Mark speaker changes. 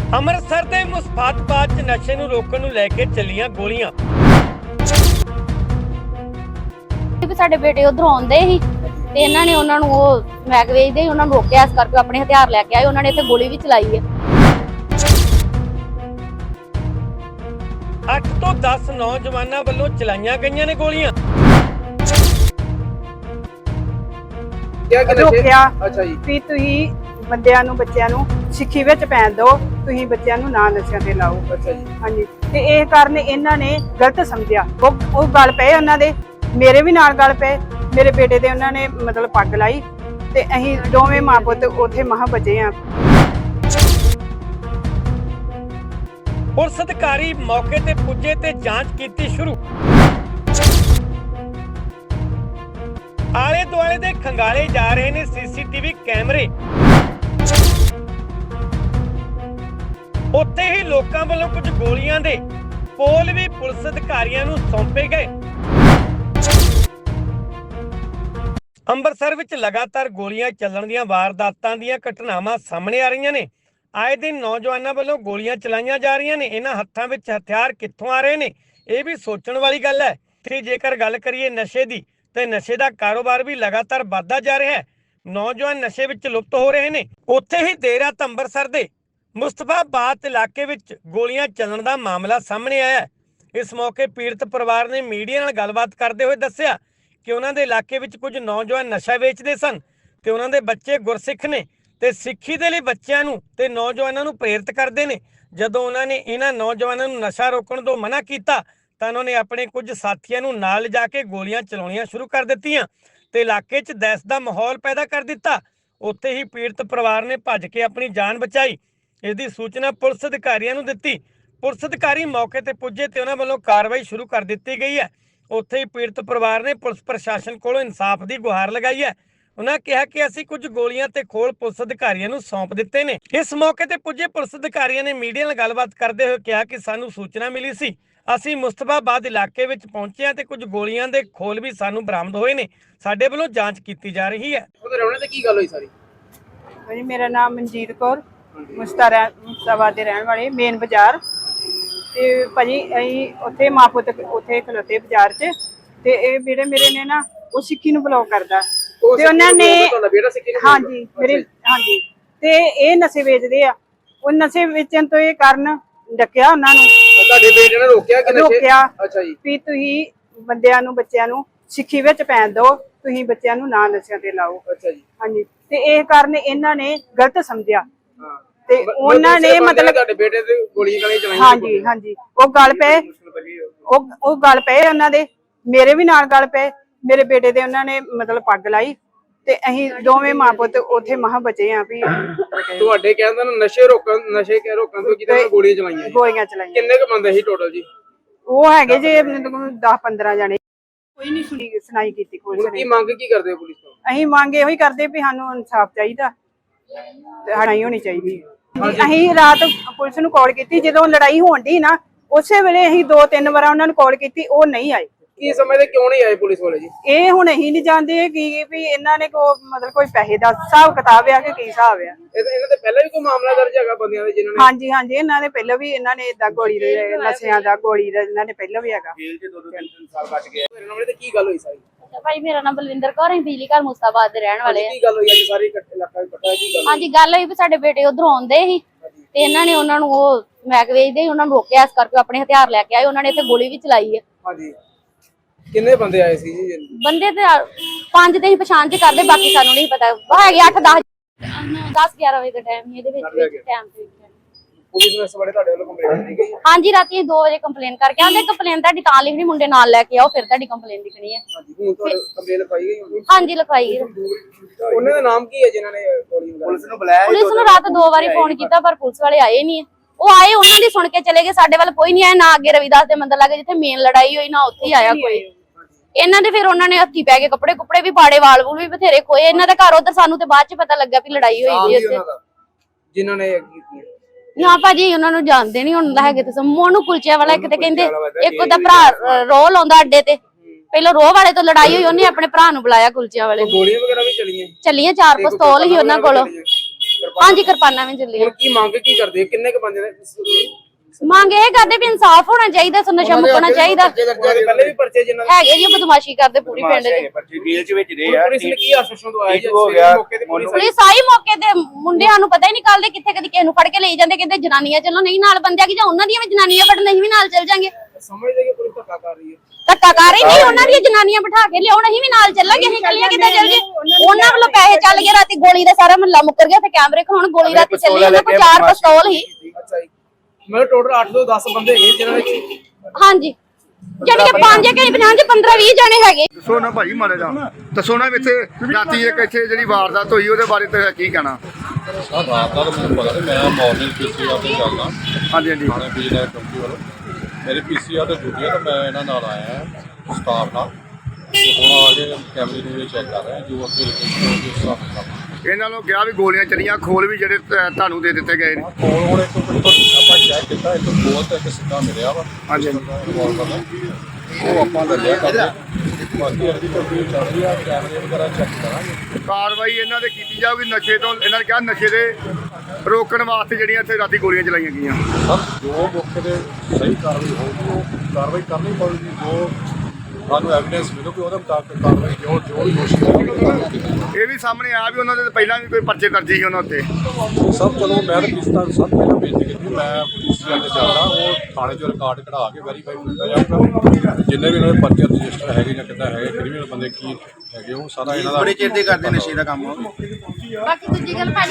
Speaker 1: ਅੰਮ੍ਰਿਤਸਰ ਦੇ ਮੁਸਫਾਤਬਾਦ 'ਚ ਨਸ਼ੇ ਨੂੰ ਰੋਕਣ ਨੂੰ ਲੈ ਕੇ ਚੱਲੀਆਂ ਗੋਲੀਆਂ।
Speaker 2: ਸਾਡੇ ਬੇਟੇ ਉਧਰੋਂ ਆਉਂਦੇ ਸੀ ਤੇ ਇਹਨਾਂ ਨੇ ਉਹਨਾਂ ਨੂੰ ਉਹ ਮੈਗ ਵੇਚਦੇ ਸੀ, ਉਹਨਾਂ ਨੂੰ ਰੋਕਿਆ, ਇਸ ਕਰਕੇ ਆਪਣੇ ਹਥਿਆਰ ਲੈ ਕੇ ਆਏ। ਉਹਨਾਂ ਨੇ ਇੱਥੇ ਗੋਲੀ ਵੀ ਚਲਾਈ ਹੈ।
Speaker 1: 8 ਤੋਂ 10 ਨੌਜਵਾਨਾਂ ਵੱਲੋਂ ਚਲਾਈਆਂ ਗਈਆਂ ਨੇ ਗੋਲੀਆਂ।
Speaker 3: ਰੋਕਿਆ ਵੀ ਤੁਸੀਂ ਬੰਦਿਆਂ ਨੂੰ ਬੱਚਿਆਂ ਨੂੰ ਸਿੱਖੀ ਵਿੱਚ ਪੈਣ ਦਿਓ, ਤੁਸੀਂ ਬੱਚਿਆਂ ਨੂੰ ਨਾ ਨਸ਼ਿਆਂ ਤੇ ਲਾਓ। ਹਾਂਜੀ, ਤੇ ਇਹ ਕਾਰਨ ਇਹਨਾਂ ਨੇ ਗਲਤ ਸਮਝਿਆ। ਉਹ ਗੱਲ ਪਏ ਉਹਨਾਂ ਦੇ, ਮੇਰੇ ਵੀ ਨਾਲ ਗੱਲ ਪਏ। ਮੇਰੇ ਬੇਟੇ ਦੇ ਉਹਨਾਂ ਨੇ ਮਤਲਬ ਪੱਗ ਲਾਈ ਤੇ ਅਸੀਂ ਦੋਵੇਂ ਮਾਂ ਪੁੱਤ ਉੱਥੇ ਮਹਾਂ ਬਚੇ ਆ।
Speaker 1: ਪੁਲਿਸ ਅਧਿਕਾਰੀ ਮੌਕੇ ਤੇ ਪੁੱਜੇ ਤੇ ਜਾਂਚ ਕੀਤੀ ਸ਼ੁਰੂ। ਆਲੇ ਦੁਆਲੇ ਦੇ ਖੰਗਾਲੇ ਜਾ ਰਹੇ ਨੇ ਸੀਸੀਟੀਵੀ ਕੈਮਰੇ। ਉੱਥੇ ਹੀ ਲੋਕਾਂ ਵੱਲੋਂ ਕੁਝ ਗੋਲੀਆਂ ਦੇ ਪੋਲ ਵੀ ਪੁਲਿਸ ਅਧਿਕਾਰੀਆਂ ਨੂੰ ਸੌਂਪੇ ਗਏ। ਅੰਮ੍ਰਿਤਸਰ ਵਿੱਚ ਲਗਾਤਾਰ ਗੋਲੀਆਂ ਚੱਲਣ ਦੀਆਂ ਵਾਰਦਾਤਾਂ ਦੀਆਂ ਘਟਨਾਵਾਂ ਸਾਹਮਣੇ ਆ ਰਹੀਆਂ ਨੇ। ਆਏ ਦਿਨ ਨੌਜਵਾਨਾਂ ਵੱਲੋਂ ਗੋਲੀਆਂ ਚਲਾਈਆਂ ਜਾ ਰਹੀਆਂ ਨੇ। ਇਹਨਾਂ ਹੱਥਾਂ ਵਿੱਚ ਹਥਿਆਰ ਕਿੱਥੋਂ ਆ ਰਹੇ ਨੇ, ਇਹ ਵੀ ਸੋਚਣ ਵਾਲੀ ਗੱਲ ਹੈ। ਤੇ ਜੇਕਰ ਗੱਲ ਕਰੀਏ ਨਸ਼ੇ ਦੀ, ਤੇ ਨਸ਼ੇ ਦਾ ਕਾਰੋਬਾਰ ਵੀ ਲਗਾਤਾਰ ਵੱਧਦਾ ਜਾ ਰਿਹਾ ਹੈ। ਨੌਜਵਾਨ ਨਸ਼ੇ ਵਿੱਚ ਲੁਪਤ ਹੋ ਰਹੇ ਨੇ। ਉੱਥੇ ਹੀ ਦੇਰ ਰਾਤ ਅੰਮ੍ਰਿਤਸਰ ਦੇ ਮੁਸਤਫਾਬਾਦ ਇਲਾਕੇ ਵਿੱਚ ਗੋਲੀਆਂ ਚੱਲਣ ਦਾ ਮਾਮਲਾ ਸਾਹਮਣੇ ਆਇਆ ਹੈ। ਇਸ ਮੌਕੇ ਪੀੜਤ ਪਰਿਵਾਰ ਨੇ ਮੀਡੀਆ ਨਾਲ ਗੱਲਬਾਤ ਕਰਦੇ ਹੋਏ ਦੱਸਿਆ ਕਿ ਉਹਨਾਂ ਦੇ ਇਲਾਕੇ ਵਿੱਚ ਕੁਝ ਨੌਜਵਾਨ ਨਸ਼ਾ ਵੇਚਦੇ ਸਨ ਤੇ ਉਹਨਾਂ ਦੇ ਬੱਚੇ ਗੁਰਸਿੱਖ ਨੇ ਤੇ ਸਿੱਖੀ ਦੇ ਲਈ ਬੱਚਿਆਂ ਨੂੰ ਤੇ ਨੌਜਵਾਨਾਂ ਨੂੰ ਪ੍ਰੇਰਿਤ ਕਰਦੇ ਨੇ। ਜਦੋਂ ਉਹਨਾਂ ਨੇ ਇਹਨਾਂ ਨੌਜਵਾਨਾਂ ਨੂੰ ਨਸ਼ਾ ਰੋਕਣ ਤੋਂ ਮਨਾ ਕੀਤਾ ਤਾਂ ਉਹਨਾਂ ਨੇ ਆਪਣੇ ਕੁਝ ਸਾਥੀਆਂ ਨੂੰ ਨਾਲ ਲਿਜਾ ਕੇ ਗੋਲੀਆਂ ਚਲਾਉਣੀਆਂ ਸ਼ੁਰੂ ਕਰ ਦਿੱਤੀਆਂ ਤੇ ਇਲਾਕੇ 'ਚ ਦਹਿਸ਼ਤ ਦਾ ਮਾਹੌਲ ਪੈਦਾ ਕਰ ਦਿੱਤਾ। ਉੱਥੇ ਹੀ ਪੀੜਤ ਪਰਿਵਾਰ ਨੇ ਭੱਜ ਕੇ ਆਪਣੀ ਜਾਨ ਬਚਾਈ। ਇਸ ਦੀ ਸੂਚਨਾ ਪੁਲਿਸ ਅਧਿਕਾਰੀਆਂ ਨੂੰ ਦਿੱਤੀ। ਪੁਲਿਸ ਅਧਿਕਾਰੀ ਮੌਕੇ ਤੇ ਪੁੱਜੇ ਤੇ ਉਹਨਾਂ ਵੱਲੋਂ ਕਾਰਵਾਈ ਸ਼ੁਰੂ ਕਰ ਦਿੱਤੀ ਗਈ ਹੈ। ਉੱਥੇ ਹੀ ਪੀੜਤ ਪਰਿਵਾਰ ਨੇ ਪੁਲਿਸ ਪ੍ਰਸ਼ਾਸਨ ਕੋਲੋਂ ਇਨਸਾਫ ਦੀ ਗੁਹਾਰ ਲਗਾਈ ਹੈ। ਉਹਨਾਂ ਕਿਹਾ ਕਿ ਅਸੀਂ ਕੁਝ ਗੋਲੀਆਂ ਤੇ ਖੋਲ ਪੁਲਿਸ ਅਧਿਕਾਰੀਆਂ ਨੂੰ ਸੌਂਪ ਦਿੱਤੇ ਨੇ। ਇਸ ਮੌਕੇ ਤੇ ਪੁੱਜੇ ਪੁਲਿਸ ਅਧਿਕਾਰੀਆਂ ਨੇ ਮੀਡੀਆ ਨਾਲ ਗੱਲਬਾਤ ਕਰਦੇ ਹੋਏ ਕਿਹਾ ਕਿ ਸਾਨੂੰ ਸੂਚਨਾ ਮਿਲੀ ਸੀ, ਅਸੀਂ ਮੁਸਤਫਾਬਾਦ ਇਲਾਕੇ ਵਿੱਚ ਪਹੁੰਚੇ ਹਾਂ ਤੇ ਕੁਝ ਗੋਲੀਆਂ ਦੇ ਖੋਲ ਵੀ ਸਾਨੂੰ ਬਰਾਮਦ ਹੋਏ ਨੇ। ਸਾਡੇ ਵੱਲੋਂ ਜਾਂਚ ਕੀਤੀ ਜਾ ਰਹੀ ਹੈ।
Speaker 4: ਉਹਦੇ ਰਹਿਣੇ ਤੇ ਕੀ ਗੱਲ ਹੋਈ ਸਾਰੀ?
Speaker 3: ਹਾਂਜੀ, ਮੇਰਾ ਨਾਮ ਮਨਜੀਤ ਕੌਰ, ਮੁਸਤਫਾਬਾਦ ਦੇ ਰਹਿਣ ਵਾਲੇ, ਮੇਨ ਬਾਜ਼ਾਰ। ਤੇ ਭਾਜੀ ਅਸੀਂ ਉੱਥੇ ਮਾਂ ਪੁੱਤ ਉੱਥੇ ਖਲੋਤੇ ਬਾਜ਼ਾਰ 'ਚ, ਤੇ ਇਹ ਬੇੜੇ ਮੇਰੇ ਨੇ ਨਾ ਉਹ ਸਿੱਖੀ ਨੂੰ ਬਲੌਕ ਕਰਦਾ ਤੇ ਉਹਨਾਂ ਨੇ, ਹਾਂਜੀ ਮੇਰੇ, ਹਾਂਜੀ, ਤੇ ਇਹ ਨਸ਼ੇ ਵੇਚਦੇ ਆ। ਉਹ ਨਸ਼ੇ ਵੇਚਣ ਤੋਂ ਇਹ ਕਾਰਨ ਡੱਕਿਆ ਉਹਨਾਂ ਨੂੰ।
Speaker 4: ਤੁਹਾਡੇ ਬੇਟੇ ਨੇ ਰੋਕਿਆ ਕਿ
Speaker 3: ਰੋਕਿਆ
Speaker 4: ਅੱਛਾ ਜੀ,
Speaker 3: ਵੀ ਤੁਸੀਂ ਬੰਦਿਆਂ ਨੂੰ ਬੱਚਿਆਂ ਨੂੰ ਸਿੱਖੀ ਵਿੱਚ ਪੈਣ ਦਿਓ, ਤੁਸੀਂ ਬੱਚਿਆਂ ਨੂੰ ਨਾ ਨਸ਼ਿਆਂ ਤੇ ਲਾਓ।
Speaker 4: ਅੱਛਾ ਜੀ,
Speaker 3: ਹਾਂਜੀ, ਤੇ ਇਹ ਕਾਰਨ ਇਹਨਾਂ ਨੇ ਗਲਤ ਸਮਝਿਆ
Speaker 4: ਹਾਂ,
Speaker 3: ਤੇ ਉਹਨਾਂ ਨੇ ਮਤਲਬ
Speaker 4: ਤੁਹਾਡੇ ਬੇਟੇ ਤੇ ਗੋਲੀਆਂ ਚਲਾਈਆਂ।
Speaker 3: ਹਾਂਜੀ ਹਾਂਜੀ, ਉਹ ਗੱਲ ਪਏ, ਉਹ ਗੱਲ ਪਏ ਉਹਨਾਂ ਦੇ, ਮੇਰੇ ਵੀ ਨਾਲ ਗੱਲ ਪਏ। ਮੇਰੇ ਬੇਟੇ ਦੇ ਉਹਨਾਂ ਨੇ ਮਤਲਬ ਪੱਗ ਲਾਈ ਤੇ ਅਸੀਂ ਦੋਵੇਂ ਮਾਂ ਪੁੱਤ ਉੱਥੇ ਮਹਾਂ ਬਚੇ ਆ। ਵੀ
Speaker 4: ਤੁਹਾਡੇ ਕਹਿੰਦੇ ਨੇ ਨਸ਼ੇ ਰੋਕਣ ਤੋਂ ਕਿਤੇ ਗੋਲੀਆਂ ਚਲਾਈਆਂ। ਕਿੰਨੇ ਕੁ ਬੰਦੇ ਸੀ ਟੋਟਲ ਜੀ?
Speaker 3: ਉਹ ਹੈਗੇ ਜੇ 10-15 ਜਣੇ। ਕੋਈ ਨਹੀਂ ਸੁਣਾਈ ਕੀਤੀ ਪੁਲਿਸ ਨੇ।
Speaker 4: ਕੀ ਮੰਗ ਕੀ ਕਰਦੇ ਹੋ ਪੁਲਿਸ ਤੋਂ?
Speaker 3: ਅਸੀਂ ਮੰਗ ਇਹੋ ਹੀ ਕਰਦੇ ਵੀ ਸਾਨੂੰ ਇਨਸਾਫ ਚਾਹੀਦਾ ਤੇ ਲੜਾਈ ਹੋਣੀ ਚਾਹੀਦੀ। ਅਸੀਂ ਰਾਤ ਪੁਲਿਸ ਨੂੰ ਕਾਲ ਕੀਤੀ, ਜਦੋਂ ਲੜਾਈ ਹੋਣ ਦੀ ਨਾ ਉਸੇ ਵੇਲੇ ਅਸੀਂ 2-3 ਵਾਰ ਉਹਨਾਂ ਨੂੰ ਕਾਲ ਕੀਤੀ, ਉਹ ਨਹੀਂ ਆਏ।
Speaker 4: ਕੀ ਸਮਝਦੇ ਕਿਉਂ ਨਹੀਂ ਆਏ ਪੁਲਿਸ ਵਾਲੇ ਜੀ?
Speaker 3: ਇਹ ਹੁਣ ਅਸੀਂ ਨਹੀਂ ਜਾਣਦੇ ਕਿ ਵੀ ਇਹਨਾਂ ਨੇ ਮਤਲਬ ਕੋਈ ਪੈਸੇ ਦਾ ਹਿਸਾਬ ਕਿਤਾਬ ਆ ਕਿ ਕੀ ਹਿਸਾਬ ਆ।
Speaker 4: ਇਹਨਾਂ ਦੇ ਪਹਿਲਾਂ ਵੀ ਕੋਈ ਮਾਮਲਾ ਦਰਜ ਹੈਗਾ ਬੰਦਿਆਂ ਦੇ ਜਿਨ੍ਹਾਂ ਨੇ?
Speaker 3: ਹਾਂਜੀ ਹਾਂਜੀ, ਇਹਨਾਂ ਨੇ ਪਹਿਲਾਂ ਵੀ, ਇਹਨਾਂ ਨੇ ਏਦਾਂ ਗੋਲੀ ਦੇ ਨਸ਼ਿਆਂ ਦਾ ਗੋਲੀ ਦਾ ਇਹਨਾਂ ਨੇ ਪਹਿਲਾਂ ਵੀ ਹੈਗਾ।
Speaker 4: ਜੇਲ੍ਹ 'ਚ 2-3 ਸਾਲ ਕੱਟ ਗਏ। ਮੇਰੇ ਨਾਲ ਤੇ ਕੀ ਗੱਲ ਹੋਈ ਸਾਰੀ?
Speaker 2: ਭਾਈ ਮੇਰਾ ਨਾਮ ਬਲਵਿੰਦਰ ਕੌਰ ਹੈ, ਬਿਜਲੀ ਘਰ ਮੁਸਤਫਾਬਾਦ ਦੇ ਰਹਿਣ ਵਾਲੇ ਆ।
Speaker 4: ਕੀ ਗੱਲ ਹੋਈ ਅੱਜ ਸਾਰੀ ਇਲਾਕਾ ਇਕੱਠਾ? ਕੀ ਗੱਲ?
Speaker 2: ਹਾਂਜੀ, ਗੱਲ ਹੋਈ ਵੀ ਸਾਡੇ ਬੇਟੇ ਉਧਰੋਂ ਆਉਂਦੇ ਸੀ ਤੇ ਇਹਨਾਂ ਨੇ ਉਹਨਾਂ ਨੂੰ ਉਹ ਮੈਗ ਵੇਚਦੇ ਸੀ, ਉਹਨਾਂ ਨੂੰ ਰੋਕਿਆ, ਇਸ ਕਰਕੇ ਆਪਣੇ ਹਥਿਆਰ ਲੈ ਕੇ ਆਏ। ਉਹਨਾਂ ਨੇ ਇੱਥੇ ਗੋਲੀ ਵੀ ਚਲਾਈ ਹੈ।
Speaker 4: ਹਾਂਜੀ, ਕਿੰਨੇ ਬੰਦੇ ਆਏ ਸੀ ਜੀ?
Speaker 2: ਬੰਦੇ ਤੇ 5 ਤੇ ਹੀ ਪਛਾਣ ਚ ਕਰਦੇ, ਬਾਕੀ ਸਾਨੂੰ ਨਹੀਂ ਪਤਾ। ਹੈਗੇ 8-10-11 ਵਜੇ ਦਾ ਟਾਈਮ ਹੀ ਇਹਦੇ ਵਿੱਚ ਟਾਈਮ ਤੇ।
Speaker 4: ਪੁਲਿਸ ਨੇ ਇਸ ਬਾਰੇ ਤੁਹਾਡੇ ਵੱਲੋਂ ਕੰਪਲੇਂਟ ਦਿੱਤੀ ਗਈ?
Speaker 2: ਹਾਂਜੀ, ਰਾਤੀ 2 ਵਜੇ ਕੰਪਲੇਨ ਕਰਕੇ ਆਂਦੇ। ਕੰਪਲੇਨ ਤੁਹਾਡੀ ਤਾਂ ਲਿਖਣੀ, ਮੁੰਡੇ ਨਾਲ ਲੈ ਕੇ ਆਓ, ਫਿਰ ਤੁਹਾਡੀ ਕੰਪਲੇਨ ਲਿਖਣੀ ਹੈ।
Speaker 4: ਹਾਂਜੀ, ਹੁਣ ਤੁਹਾਡੀ ਕੰਪਲੇਂਟ ਲਿਖਾਈ ਗਈ?
Speaker 2: ਹਾਂਜੀ, ਲਿਖਾਈ ਗਈ।
Speaker 4: ਉਹਨਾਂ ਦਾ ਨਾਮ ਕੀ ਹੈ ਜਿਨ੍ਹਾਂ ਨੇ ਗੋਲੀ ਮਾਰੀ? ਪੁਲਿਸ ਨੂੰ ਬੁਲਾਇਆ?
Speaker 2: ਪੁਲਿਸ ਨੂੰ ਰਾਤ 2 ਵਾਰੀ ਫੋਨ ਕੀਤਾ ਪਰ ਪੁਲਿਸ ਵਾਲੇ ਆਏ ਨਹੀਂ। ਉਹ ਆਏ, ਉਹਨਾਂ ਦੀ ਸੁਣ ਕੇ ਚਲੇ ਗਏ, ਸਾਡੇ ਵੱਲ ਕੋਈ ਨਹੀਂ ਆਇਆ। ਨਾ ਅੱਗੇ ਰਵਿਦਾਸ ਦੇ ਮੰਦਰ ਲੱਗੇ ਜਿੱਥੇ ਮੇਨ ਲੜਾਈ ਹੋਈ, ਨਾ ਉੱਥੇ ਆਇਆ ਕੋਈ। ਇਹਨਾਂ ਦੇ ਫਿਰ ਉਹਨਾਂ ਨੇ ਹੱਥੀ ਪੈ ਕੇ ਕੱਪੜੇ ਕੁਪੜੇ ਵੀ ਪਾੜੇ, ਵਾਲ ਵੂਲ ਵੀ ਬਥੇਰੇ ਖੋਏ ਇਹਨਾਂ ਦੇ ਘਰ। ਉਧਰ ਸਾਨੂੰ ਤੇ ਬਾਅਦ ਚ ਪਤਾ ਲੱਗਾ ਵੀ ਲੜਾਈ ਹੋਈ ਸੀ ਉੱਥੇ
Speaker 4: ਜਿਨ੍ਹਾਂ ਨੇ ਕੀਤੀ।
Speaker 2: ਨਾ ਭਾਜੀ ਉਹਨਾਂ ਨੂੰ ਜਾਣਦੇ ਨਹੀਂ ਹੁਣ ਹੈਗੇ ਤੇ ਮੋਨੂ ਕੁਲਚਿਆਂ ਵਾਲਾ। ਇੱਕ ਤੇ ਕਹਿੰਦੇ ਇੱਕ ਉਹਦਾ ਭਰਾ ਰੋਹ ਲਾਉਂਦਾ ਅੱਡੇ ਤੇ, ਪਹਿਲਾਂ ਰੋਹ ਵਾਲੇ ਤੋਂ ਲੜਾਈ ਹੋਈ, ਉਹਨੇ ਆਪਣੇ ਭਰਾ ਨੂੰ ਬੁਲਾਇਆ ਕੁਲਚਿਆਂ ਵਾਲੇ।
Speaker 4: ਗੋਲੀਆਂ ਵਗੈਰਾ ਵੀ ਚੱਲੀਆਂ?
Speaker 2: 4 ਪਿਸਤੌਲ ਹੀ ਉਹਨਾਂ ਕੋਲ। ਹਾਂਜੀ ਕਿਰਪਾਨਾਂ ਵੀ ਚੱਲੀਆਂ।
Speaker 4: ਹੁਣ ਕੀ ਮੰਗ ਕੀ ਕਰਦੇ ਕਿੰਨੇ ਕ ਬੰਦੇ ਨੇ
Speaker 2: ਮੰਗ ਇਹ ਕਰਦੇ ਵੀ ਇਨਸਾਫ ਹੋਣਾ ਚਾਹੀਦਾ, ਨਸ਼ਾ ਮੁਕਣਾ ਚਾਹੀਦਾ।
Speaker 4: ਪਹਿਲੇ ਵੀ ਪਰਚੇ ਜਿਨ੍ਹਾਂ
Speaker 2: ਹੈਗੇ ਜੀ ਬਦਮਾਸ਼ੀ ਕਰਦੇ ਪੂਰੀ ਪਿੰਡ ਦੇ।
Speaker 5: ਪੁਲਿਸ ਨੇ
Speaker 4: ਕੀ ਆਸ਼ਵਾਸਨ ਦਵਾਇਆ ਜੀ
Speaker 5: ਹੋ ਗਿਆ
Speaker 4: ਮੌਕੇ ਤੇ ਪੁਲਿਸ
Speaker 2: ਪੁਲਿਸ ਆਈ ਮੌਕੇ ਤੇ, ਮੁੰਡਿਆਂ ਨੂੰ ਪਤਾ ਹੀ ਨਿਕਾਲਦੇ ਕਿੱਥੇ ਕਦੀ ਕਿਸੇ ਨੂੰ ਫੜ ਕੇ ਲਈ ਜਾਂਦੇ, ਕਹਿੰਦੇ ਜਨਾਨੀਆਂ ਚੱਲੋ, ਨਹੀਂ ਨਾਲ ਬੰਦਿਆਂ ਕੀ ਜਾਂ ਉਹਨਾਂ ਦੀਆਂ ਵੀ ਜਨਾਨੀਆਂ ਫੜਨ ਅਸੀਂ ਵੀ ਨਾਲ ਚੱਲ ਜਾਾਂਗੇ।
Speaker 4: ਸਮਝਦੇ ਕਿ ਪੁਲਿਸ ਧੱਕਾ ਕਰ ਰਹੀ ਹੈ।
Speaker 2: ਧੱਕਾ ਕਰ ਹੀ ਨਹੀਂ, ਉਹਨਾਂ ਦੀਆਂ ਜਨਾਨੀਆਂ ਬਿਠਾ ਕੇ ਲਿਆਉਣ, ਅਸੀਂ ਵੀ ਨਾਲ ਚੱਲਾਂਗੇ, ਅਸੀਂ ਕੱਲੀਆਂ ਕਿੱਦਾਂ ਚੱਲ ਗਏ। ਉਹਨਾਂ ਵੱਲੋਂ ਪੈਸੇ ਚੱਲ ਗਏ, ਰਾਤੀ ਗੋਲੀ ਦਾ ਸਾਰਾ ਮਹੱਲਾ ਮੁੱਕਰ ਗਿਆ, ਤੇ ਕੈਮਰੇ ਖੋਣ ਗੋਲੀ ਰਾਤੀ ਚੱਲੀ, ਉਹਨਾਂ ਕੋਲ 4 ਪਿਸਤੌਲ ਸੀ।
Speaker 4: ਅੱਛਾ ਜੀ, ਮਤਲਬ ਟੋਟਲ 8 ਤੋਂ 10 ਬੰਦੇ ਹੈਗੇ ਜਿਨ੍ਹਾਂ ਨੇ
Speaker 2: ਹਾਂਜੀ, ਜਿਹੜੇ ਕਿ 5 ਕਿ 50 15 20 ਜਣੇ ਹੈਗੇ।
Speaker 5: ਦੱਸੋ ਨਾ ਭਾਈ ਮਾਰੇ ਜਾ ਦੱਸੋ ਨਾ ਇੱਥੇ ਰਾਤੀ ਇੱਕ ਇੱਥੇ ਜਿਹੜੀ ਵਾਰਦਾਤ ਹੋਈ ਉਹਦੇ ਬਾਰੇ ਤੇ ਕੀ ਕਹਿਣਾ?
Speaker 6: ਸਰ ਰਾਤ ਦਾ ਤਾਂ ਮੈਨੂੰ ਪਤਾ ਨਹੀਂ, ਮੈਂ ਮਾਰਨਿੰਗ ਪੀਸੀਆਰ ਤੋਂ ਚੱਲਦਾ
Speaker 5: ਹਾਂਜੀ ਹਾਂਜੀ
Speaker 6: ਥਾਣੇ ਪੀਜੀਆਰ ਚੌਂਕੀ ਵੱਲੋਂ। ਮੇਰੇ ਪੀਸੀਆਰ ਤੇ ਡਿਊਟੀ ਆ, ਤਾਂ ਮੈਂ ਇਹਨਾਂ ਨਾਲ ਆਇਆ ਸਟਾਫ ਨਾਲ, ਤੇ ਹੁਣ ਆ ਕੇ ਕੈਮਰੇ ਨੂੰ ਚੈੱਕ ਕਰ ਰਹੇ ਜੋ ਅੱਗੇ ਲੋਕੇਸ਼ਨ ਹੋਊਗੀ ਉਸ ਹਿਸਾਬ ਨਾਲ।
Speaker 5: ਇਹਨਾਂ ਨੂੰ ਕਿਹਾ ਵੀ ਗੋਲੀਆਂ ਚੱਲੀਆਂ, ਖੋਲ ਵੀ ਜਿਹੜੇ ਤੁਹਾਨੂੰ ਦੇ ਦਿੱਤੇ ਗਏ ਨੇ।
Speaker 6: ਕੋਲ ਹੁਣ ਇੱਕ ਆਪਾਂ ਚੈੱਕ ਕੀਤਾ, ਇੱਕ ਗੋਲ ਤੇ ਇੱਕ ਸਿੱਧਾ ਮਿਲਿਆ ਵਾ
Speaker 5: ਹਾਂਜੀ
Speaker 6: ਉਹ ਆਪਾਂ ਦੱਸਿਆ ਕਰਦੇ, ਬਾਕੀ ਅਗਲੀ ਕੋਈ ਚੱਲ ਰਹੀ ਆ, ਕੈਮਰੇ ਵਗੈਰਾ ਚੈੱਕ ਕਰਾਂਗੇ।
Speaker 5: ਕਾਰਵਾਈ ਇਹਨਾਂ ਦੇ ਕੀਤੀ ਜਾਊਗੀ ਨਸ਼ੇ ਤੋਂ, ਇਹਨਾਂ ਨੇ ਕਿਹਾ ਨਸ਼ੇ ਦੇ ਰੋਕਣ ਵਾਸਤੇ ਜਿਹੜੀਆਂ ਇੱਥੇ ਰਾਤੀ ਗੋਲੀਆਂ ਚਲਾਈਆਂ ਗਈਆਂ।
Speaker 6: ਸਰ ਜੋ ਮੌਕੇ ਤੇ ਸਹੀ ਕਾਰਵਾਈ ਹੋਊਗੀ ਉਹ ਕਾਰਵਾਈ ਕਰਨੀ ਪਊਗੀ, ਜੋ ਸਾਨੂੰ ਐਵੀਡੈਂਸ ਮਿਲੂਗੀ ਉਹਦੇ ਮੁਤਾਬਕ ਕਾਰਵਾਈ ਜੋ ਦੋਸ਼ੀ ਹੋਣਗੇ।
Speaker 5: ਇਹ ਵੀ ਸਾਹਮਣੇ ਆ ਵੀ ਉਹਨਾਂ ਦੇ ਪਹਿਲਾਂ ਵੀ ਕੋਈ ਪਰਚੇ ਦਰਜ ਸੀ ਉਹਨਾਂ ਉੱਤੇ।
Speaker 6: ਸਭ ਚਲੋ ਮੈਂ ਤਾਂ ਕਿਸ਼ਤਾਂ ਸਭ ਪਹਿਲਾਂ ਬੇਨਤੀ ਕੀਤੀ, ਮੈਂ ਪੀਸੀਆਰ ਤੇ ਚੱਲਦਾ, ਉਹ ਥਾਣੇ 'ਚੋਂ ਰਿਕਾਰਡ ਕਢਾ ਕੇ ਵੈਰੀਫਾਈ ਕੀਤਾ ਜਾਊਗਾ ਜਿੰਨੇ ਵੀ ਉਹਨਾਂ ਦੇ ਪਰਚੇ ਰਜਿਸਟਰ ਹੈਗੇ ਜਾਂ ਕਿੱਦਾਂ ਹੈਗੇ, ਕ੍ਰਿਮੀਨਲ ਬੰਦੇ ਕੀ ਹੈਗੇ, ਉਹ ਸਾਰਾ ਇਹਨਾਂ ਦਾ
Speaker 5: ਬੜੇ ਚਿਰ ਦੇ ਕਰਦੇ ਨਸ਼ੇ ਦਾ ਕੰਮ।
Speaker 2: ਬਾਕੀ ਦੂਜੀ ਗੱਲ ਭਾਜੀ